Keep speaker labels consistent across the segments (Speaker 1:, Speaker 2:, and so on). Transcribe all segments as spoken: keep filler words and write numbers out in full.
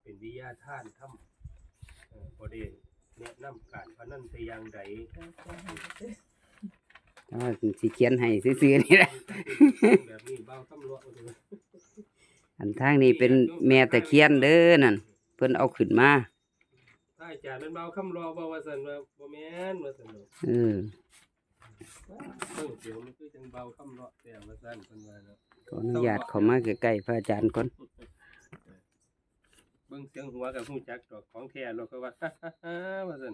Speaker 1: เป็นวิทยาทานทำเอ่อบ่ได้แนะนำการพนันแต่อย่างใด
Speaker 2: แต่ว่าสิเขียนให้ซื่อๆนี่แหละ
Speaker 1: แบบนี้เบาตำรวจเอาเถอะ
Speaker 2: อันทางนี้เป็นแม่ตะเคียนเด้อนั่นเพิ่นเอาขึ้นมา
Speaker 1: ถ้าอาจารย์มันเบาคำรอบ่ว่าซั่นว่าบ่แม่นว่าซั่นเนาะ
Speaker 2: เออ
Speaker 1: เบิ่งเสียวมันคือจังเบาคำรอแต่ว่าซั่นเพิ่นว่าเนาะ
Speaker 2: ขออนุญาตเข้ามาใกล้ๆพระอาจารย์ก่อน
Speaker 1: เบิ่งเสียงหัวก็ฮู้จักดอกของแท้แล้วก็ว่า ว่าซั่น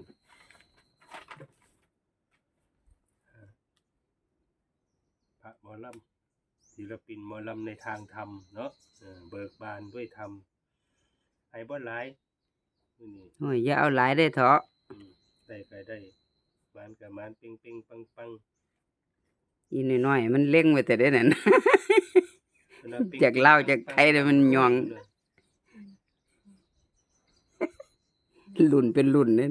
Speaker 1: พระหมอลำศิลปินหมอลำในทางธรรมเนาะเออเบิกบานด้วยธรรมให้บ่หลายมื้อนี้
Speaker 2: โอ้ยอย่าเอาหลายได้เถาะ
Speaker 1: อืมได้ก็ได้หวานก็หวานเป่งๆปังๆ
Speaker 2: อีน้อยๆมันเล็งไว้แต่ได้นั่น จากลาวจากไทยเนี่ยมันย่อง รุ่นเป็นรุ่นเด้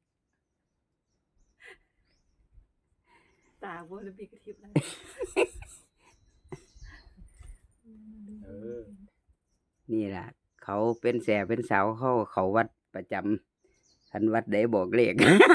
Speaker 3: ตาบ่ได้มีกระทิบแล้ว
Speaker 1: เออ
Speaker 2: นี่ล่ะ เขาเป็นแสเป็นสาวเขาเขาวัดประจำทันวัดได้บอกเลข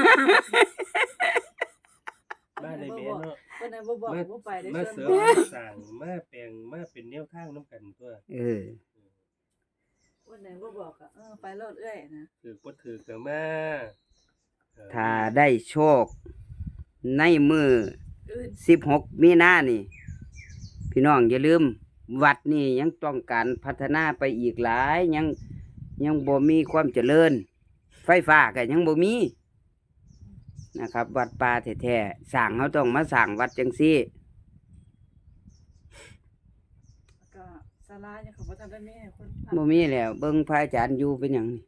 Speaker 1: มาได้แม่เนาะ
Speaker 3: วันนั้นบ่บอกบ่ไปได้
Speaker 1: มา
Speaker 3: เชิ
Speaker 1: เสริ
Speaker 3: ญ
Speaker 1: ม
Speaker 3: บ่
Speaker 1: มาสร้างมาแปลงมาเป็นแนวทางนํกันตัว
Speaker 2: เออ
Speaker 3: วันไหนบ่บอกอ่ะเออไปรถเอื้อยนะ
Speaker 1: คือบ่ถือก็มาเออ
Speaker 2: ถ้าได้โชค ในมือ
Speaker 3: อื่น
Speaker 2: สิบหกมีนานี่ พี่น้องอย่าลืม วัดนี่ยังต้องการพัฒนาไปอีกหลายยังยังบ่มีความเจริญ ไฟฟ้าก็ยังบ่มีนะครับ วัดป่าแท้ๆสร้างเขาต้องมาสร้างวัดจังซี่
Speaker 3: ก็ศาลายังเขาบ่ทันได้มีให้คนพัก
Speaker 2: บ่มีแล้วเบิ่งพระอาจารย์อยู่เป็นหยังนี่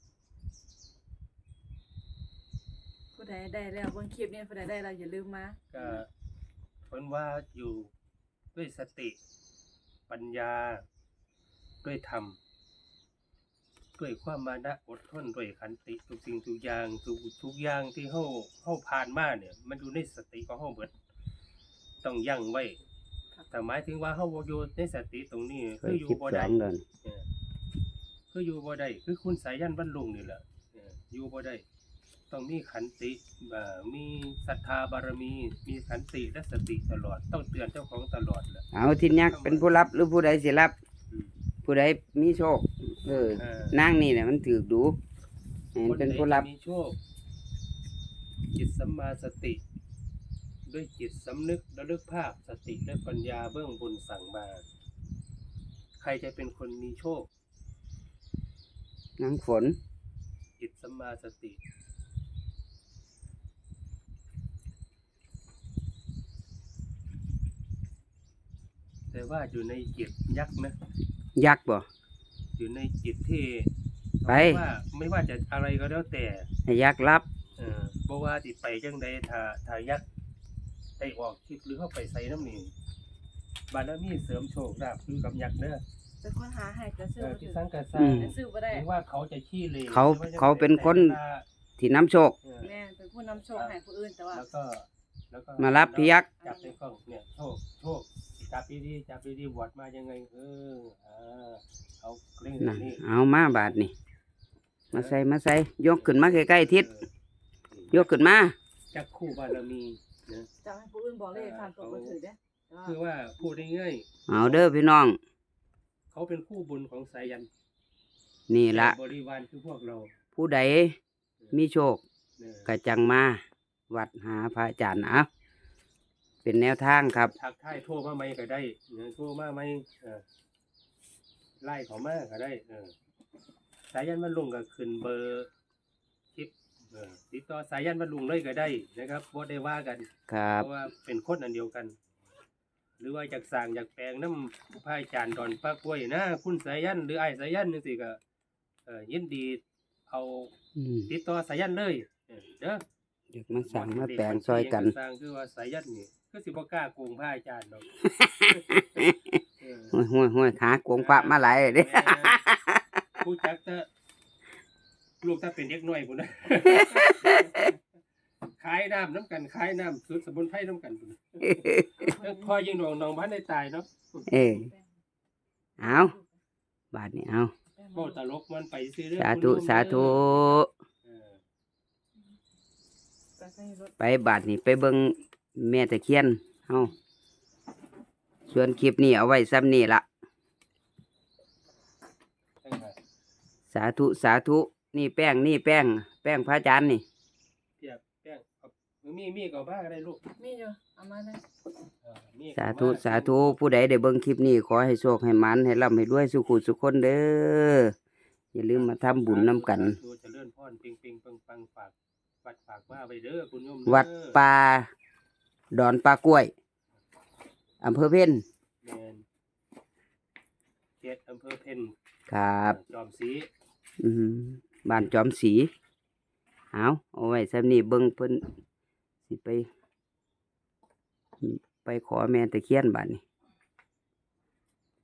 Speaker 3: ผู้ใดได้แล้วเบิ่งคลิปนี้ผู้ใดได้แล้วอย่าลืมมา
Speaker 1: ก็เพิ่นว่าอยู่ด้วยสติ ปัญญา ด้วยธรรม ด้วยความมานะอดทนด้วยขันติทุกสิ่งทุกอย่างทุกทุกอย่างที่เฮาเฮาผ่านมาเนี่ย มันอยู่ในสติของเฮาเบิดต้องยั้งไว้แต่หมายถึงว่าเฮาบ่อยู่ในสติตรงนี้
Speaker 2: เค
Speaker 1: คื
Speaker 2: ย
Speaker 1: ออยู่
Speaker 2: คิด
Speaker 1: บ่
Speaker 2: ส
Speaker 1: ได้
Speaker 2: องเดือน
Speaker 1: เออคืออยู่บ่ได้คือคุณสายันบรรลุงนี่แหละเอออยู่บ่ได้ต้องมีขันติเอ่อมีศรัทธาบารมี มีขันติและสติตลอด ต้องเตือนเจ้าของตลอดแหละ
Speaker 2: เอาทินยักษ์เป็นผู้รับหรือผู้ใดสิรับ
Speaker 1: อืม
Speaker 2: ผู้ใดมีโชค เออ
Speaker 1: เออ
Speaker 2: นางนี่แหละมันถือดูให้มันเป็นผู้รับ
Speaker 1: คใดจะมีโชค จิตสัมมาสติ ด้วยจิตสำนึกระลึกภาพสติและปัญญาเบื้องบนสั่งมา ใครจะเป็นคนมีโชค
Speaker 2: นางฝน
Speaker 1: จิตสัมมาสติ แต่ว่าอยู่ในจิตยักษ์นะ
Speaker 2: ยักษ์บ่
Speaker 1: อยู่ในจิตที่
Speaker 2: ไป
Speaker 1: ว่าไม่ว่าจะอะไรก็แล้วแต่
Speaker 2: ให้ยักษ์รับ
Speaker 1: เออบ่ว่าสิไปจังใดถ้าถ้ายักษ์ได้ออกคลิปหรือเข้าไปใส่น้ำนี่บารมีเสริมโชคลาภคือกับยักษ์เด้อ
Speaker 3: เป็นคนหาให้ก็ซื้
Speaker 1: เอ
Speaker 3: อ
Speaker 1: อ
Speaker 3: บ่
Speaker 1: ที่
Speaker 3: ถึง
Speaker 1: สังกัดส
Speaker 2: อื
Speaker 1: ร้าง
Speaker 2: ม
Speaker 3: แต่ซื้อบ่ได้
Speaker 1: หรือว่าเขาจะขี้เหร่
Speaker 2: เขาเขาเป็นคน ที่น้ำโชค
Speaker 1: เออ
Speaker 3: แม่นเป็นผู้นำโชคให้ผู้อื่นแต่ว่า
Speaker 1: แล้วก็แล้วก็
Speaker 2: มารับพี่ยักษ์
Speaker 1: จับในกล้องเนี่ยโชคโชคจับดีๆจับดีๆบวชมายังไงเอออ่าเอาเร่ง
Speaker 2: น่ะ
Speaker 1: นี่
Speaker 2: เอามาบาทนี่ มาใส่มาใส่ยกขึ้นมาใกล้ๆทิศ
Speaker 1: เออย
Speaker 2: กขึ้นมา
Speaker 1: จักคู่บารมีนะ
Speaker 3: จะให้ผู้อื่นบอกเลขทางตัวบ่ถือเด้แต่ว่า
Speaker 1: คือว่าพูดได้ง่าย
Speaker 2: เอาเด้อพี่น้อง
Speaker 1: เขาเป็นคู่บุญของสายัน
Speaker 2: นี่ละ
Speaker 1: บริวารคือพวกเรา
Speaker 2: ผู้ใดมีโชค
Speaker 1: เนี่ย
Speaker 2: กะจังมา วัดหาพระอาจารย์เอาเป็นแนวทางครับ
Speaker 1: ทักทายโทรมาไหมก็ได้เนี่ยโทรมาไหมเออไล่เขามาก็ได้เออสายันบรรลุงก็ขึ้นเบอร์คลิปเออติดต่อสายันบรรลุงเลยก็ได้นะครับบ่ได้ว่ากัน
Speaker 2: ครับ
Speaker 1: เพราะว่าเป็นคนอันเดียวกัน หรือว่าอยากสร้างอยากแปลงน้ำพระอาจารย์ดอนปากล้วยนะคุณสายันหรือไอ้สายันจังซี่ก็เออยินดีเอา
Speaker 2: อืม
Speaker 1: ติดต่อสายันเลยเออเด้อ
Speaker 2: อยากมาสั่งมาแปลงซอยกัน
Speaker 1: สร้างคือว่าสายันนี่คือสิบ่กล้าโกงพระอาจารย์ดอกเออ
Speaker 2: ห้วยห้วยห้วยหากวงพระมาหลายเด้
Speaker 1: แม่ผู้จักจะลูกถ้าเป็นเด็กน้อยพุ่นนะ ขายน้ำน้ำกันขายน้ำสุดสมุนไพรน้ำกันพุ่นเออพอยิงหนองหนองบ้านได้ตายเนาะ
Speaker 2: เออ เอาบาทนี่เอา
Speaker 3: แป้ง
Speaker 1: เว้าตลกมันไปซื้อเด้อ
Speaker 2: สาธุ
Speaker 1: คุณโยม
Speaker 2: สาธุ
Speaker 1: เออ
Speaker 3: ไปใส่รถ
Speaker 2: ไปบาดนี่ไปเบิ่งแม่ตะเคียนเฮาส่วนคลิปนี้เอาไว้ซ้ำนี่ละ
Speaker 1: ใช่ค่ะ
Speaker 2: สาธุสาธุนี่แป้งนี่แป้ง แป้งพระอาจารย์นี่
Speaker 1: เทียบแป้งเอามีมีก็บ้าก็ได้ลูก
Speaker 3: มีอยู่เอามาเลย
Speaker 1: เออมีก็
Speaker 2: สาธุ
Speaker 1: ม
Speaker 2: สาธุผู้ใดได้เบิ่งคลิปนี้ขอให้โชคให้หมันให้ร่ำให้รวยสุขุสุขคนเด้ออย่าลืมมาทำบุญนํกัน
Speaker 1: สาธุเจริญพรปิงปิงปังปังฝากวัดฝากว่าไปเด้อคุณโยมเอ
Speaker 2: วัดป่าดอนปลากล้วยอำเภอเพ็ญ
Speaker 1: แม่นเขตอำเภอเพ็ญ
Speaker 2: ครับ
Speaker 1: จอมศรี
Speaker 2: อืมบ้านจอมศรีเอาเอาไว้ซ้ำนี่เบิ่งเพิ่นสิไป ไปขอแม่ตะเคียนบาดนี้